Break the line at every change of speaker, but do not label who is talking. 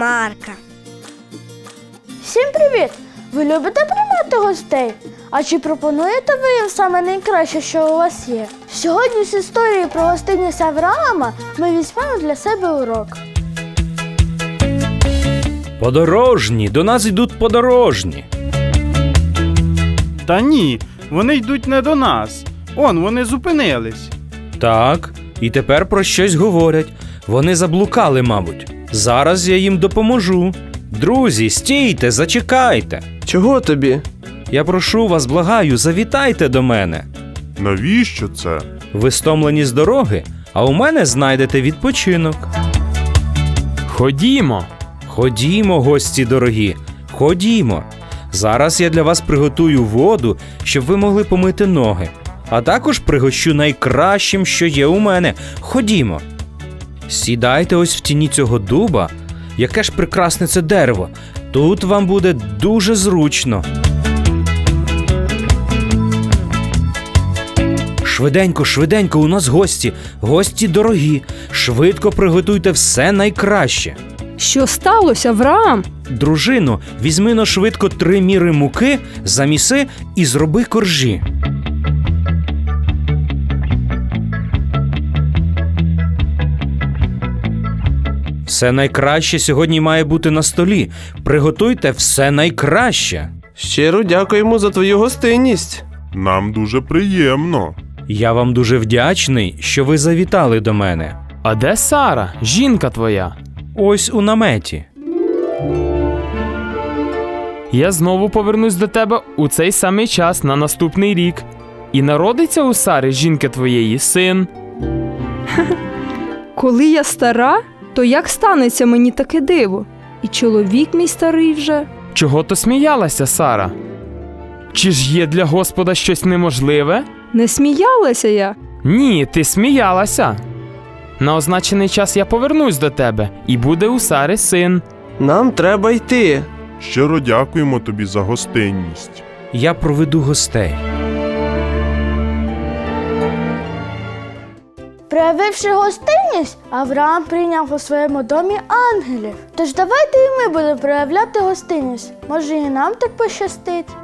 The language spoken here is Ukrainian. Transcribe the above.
Марка.
Всім привіт! Ви любите приймати гостей? А чи пропонуєте ви їм саме найкраще, що у вас є? Сьогодні з історії про гостинність Авраама ми візьмемо для себе урок.
Подорожні, до нас йдуть подорожні.
Та ні, вони йдуть не до нас. Вони зупинились.
Так, і тепер про щось говорять. Вони заблукали, мабуть. Зараз я їм допоможу. Друзі, стійте, зачекайте.
Чого тобі?
Я прошу вас, благаю, завітайте до мене.
Навіщо це?
Ви стомлені з дороги, а у мене знайдете відпочинок.
Ходімо.
Ходімо, гості дорогі, ходімо. Зараз я для вас приготую воду, щоб ви могли помити ноги. А також пригощу найкращим, що є у мене. Ходімо. Сідайте ось в тіні цього дуба. Яке ж прекрасне це дерево. Тут вам буде дуже зручно. Швиденько, швиденько, у нас гості. Гості дорогі. Швидко приготуйте все найкраще.
Що сталося, Авраам?
Дружино, візьми-но швидко 3 міри муки, заміси і зроби коржі. Все найкраще сьогодні має бути на столі. Приготуйте все найкраще.
Щиро дякуємо за твою гостинність.
Нам дуже приємно.
Я вам дуже вдячний, що ви завітали до мене.
А де Сара, жінка твоя?
Ось у наметі.
Я знову повернусь до тебе у цей самий час на наступний рік. І народиться у Сари, жінки твоєї, син.
Коли я стара, то як станеться мені таке диво? І чоловік мій старий вже.
Чого то сміялася, Сара? Чи ж є для Господа щось неможливе?
Не сміялася я.
Ні, ти сміялася. На означений час я повернусь до тебе, і буде у Сари син.
Нам треба йти.
Щиро дякуємо тобі за гостинність.
Я проведу гостей.
Проявивши гостинність, Авраам прийняв у своєму домі ангелів. Тож давайте і ми будемо проявляти гостинність. Може, і нам так пощастить.